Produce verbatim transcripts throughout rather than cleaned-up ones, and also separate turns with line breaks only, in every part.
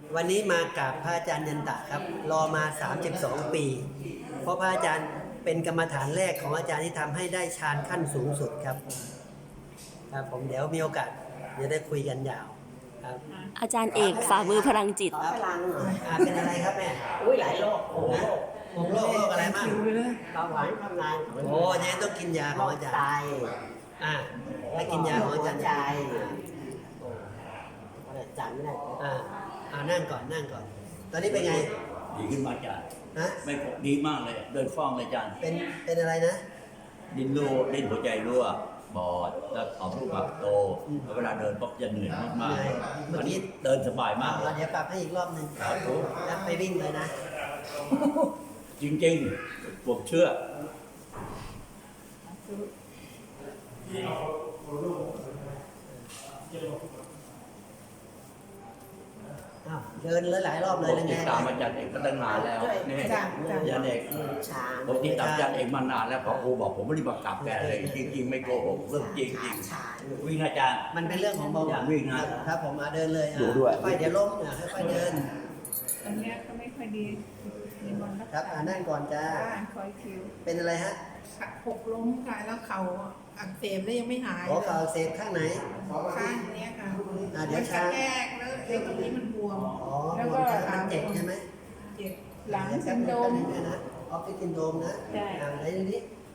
วันนี้มากับพระอาจารย์ยันตะครับรอมาสามสิบสองปี เพราะพระอาจารย์เป็นกรรมฐานแรกของอาจารย์ที่ทำให้ได้ฌานขั้นสูงสุดครับครับผมเดี๋ยวมีโอกาสเดี๋ยวได้คุยกันยาวครับ
อาจารย์เอกฝ่ามือพลังจิต
ขอพลังหน่อย
อ่าเป็นอะไรครับแม่
อุ้ยหลายโรคโอ้โห
ผมโรคโรคอะไรบ้าง
เบาหวานความดัน
โอ้ยังต้องกินยาของอาจารย์
ไต
อ่าให้กินยาของอาจารย์
หัวใจจำไม่ได้
อ่าอ่านั่งก่อนนั่งก่อน ตอนนี้เป็นไง
ดีขึ้นมาอาจารย์
ฮะ
ไม่พบดีมากเลย เดินคล่องเลยอาจารย์
เป็นเป็นอะไรนะ
ดิ้นรั่วดิ้นหัวใจรั่วบอดแล้วเอารูปแบบโตแล้วเวลาเดินปุ๊บจะเหนื่อยมาก
เหนื่อย
ๆ
เมื่อ
อัน
กี้
นี้เดินสบายมากเล
เอา
ย
เดี๋ยวปรับให้อีกรอบหนึ่ง
ครับผม
แล้วไปวิ่งเลยนะ
จริงๆผมเชื่อ
อ้าวเดินหลายๆรอบเลย
ผม
นะ
ติ
ไง
ดตามอาจารย์เอกก็ตั้งนานแล้วนี่อาจารย์เอก
ชา
ผมติดตามอาจารย์เอกมานานแล้วพอครูบอกผมไม่ได้มากลับแกเลย จริง ๆ ไม่โกหกเรื่องจริงจริง
ชา
ๆวิ่งอาจารย์
มันเป็นเรื่องของเบาหวาน
วิ่งนะ
ครับผมมาเดินเลยอ่ะ
ดูด้วย
ค่อยๆเดี๋ยวล้มอ่ะค่อยๆเดิน
อันเนี้ยก็ไม่ค่อยดีมีมันรัก
ครับ
ษา
อ่านั่งก่อนจ้า
บ้านคอยคิว
เป็นอะไรฮะ
หกล้มค่ะแล้วเข่าอักเสบแล้วยังไม่หาย
หัวเข่าเสพข้างไหน
ข้างเนี้ยค่ะ
อ่าเดี๋ยว
มันก
ช้า
ระแทกแล้วไอ้ตรงนี้มันบวม
อ๋อ
แล้ว
บ
ก็
นขามันเจ็บใช่ไหม
เจ็บหลัง
เดี๋ยว
ซินโดรม
แป๊บนึงนะออฟฟิศซินโดรมนะ
ใช่
อ่าไหนดูดิ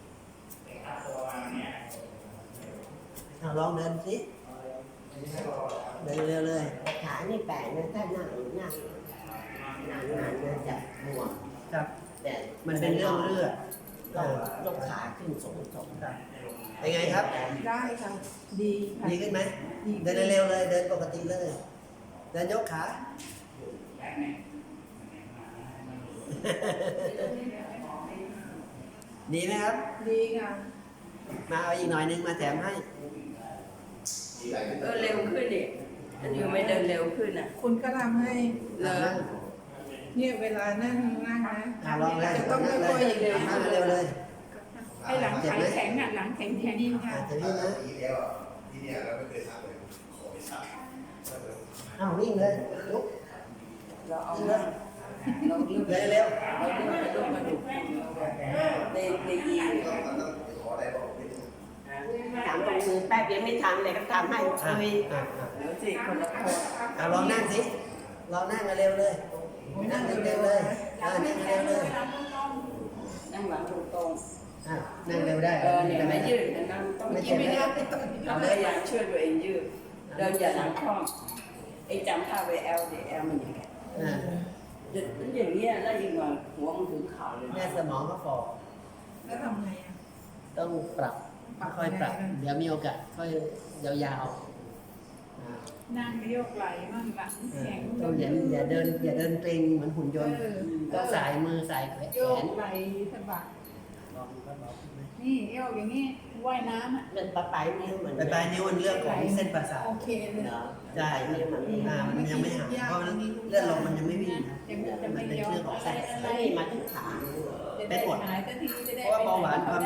เอาลองเดินสิเดินเร็วเลย
ขานี่แปลกนะถ้านั่งนั่งนานๆเนี่ยจะบวม
ครับ
แต่
มันเป็นเรื่องเลือด
โรคโรคขาขึ้นสูงส่ง
ครับเป็นไงครับ
ได้ค่ะดีค่ะ
ดีขึ้นไหมเดินเร็วๆเลย เดินปกติเลย เดินยกขา ดีไหมครับ
ดีค่ะ
มาเอาอีกหน่อยนึงมาแถมให้
เออเร็วขึ้นดิอันนี้ไม่เดินเร็วขึ้นอ่ะ
คุณก็ทำให้
เหรอ
เนี่ยเวลานั่งนั่งนะ
อ่าลองเลย
จะต้อง
นั่งเล
ค่อย
ย
ๆอย่างเดียว
นั่งเร็วเลย
ไอ้หลังแข็งแข็งอ่ะหลังแข็งแข็งค่ะ
อาจจะวิ่งนะ
ที่แล้วอ่ะที่เนี่ยเราไม่เคยทำเลยขอไปทำ
อ้าววิ่งเลยลุก
เราเอา
วิ่งเลย
เราเลือก
เดินเร็ว
เราเลือกกระดูกกระดูกในในยี
ต้องมันต้องขออะไรบอกนิดนึง
ถามตรงมือแป๊บเดียวไม่ทันเลยก็ทำให้
อ่ะ
คุย
อ่ะอ่ะ
เดี๋ยวสิคนละคน
เอาลองนั่งสิลองนั่งกันเร็วเลย นั่งเร็วๆเลยอ่านั่งเร็วเลย
นั่งหลังตรง
อ่ะนั่งเร็วได้
ๆเออเนี่ยไม่ยืดนะนั่งต้อง
ไม่
ยื
เจ็บ
ด
ไหม
ไม่
ค
ได้
รับ
ไม่ต้อง
เราพยายามช่วยตัวเองยืดเดินอย่าหลังคล่อมไอ้จำท่าไวแอลเดแอลมันอย่างเงี้ย
อ่า
เด็ดมันอย่างเงี้ยแล้วยิงมาหัวมันถึงเข่าเลย
แม่สมองก็ฟอ
แล้วทำไงอ่ะ
ต้องปรับค่อยๆปรับ เดี๋ยวมีโอกาสค่อยยาวๆอ่า
นั่งโยกไหล่มั่งหลังแข็ง
ต้องอย่าอย่าเดินอย่าเดินเกร็งเหมือนหุ่นยนต์
เออ
ต้องสายมือสายแข
โยก
น
ไหล่สะบัด
ลองก็ลองไหม
นี่โยกอย่างนี้ว่ายน้ำอ่ะ
มันปลายปลายนิ้วเหมือน
ไปปลายนิ้วมันเรื่องของเส้นประสาท
โอเคเลย
เหรอ
ใช่
นิ้วมันนี่
อ่ามันยังไม่หายเพราะเลือดลมมันยังไม่วิ่งนะ
จะจะ
มั
ไม่
นเป็น
ยอ
เรื่
ม
องของ
อะไร
เส้นประ
อะไร
สาท
ไม่มาถึงขา
จะได้หายสักทีจะได้
เพราะว่าเบาหวานความ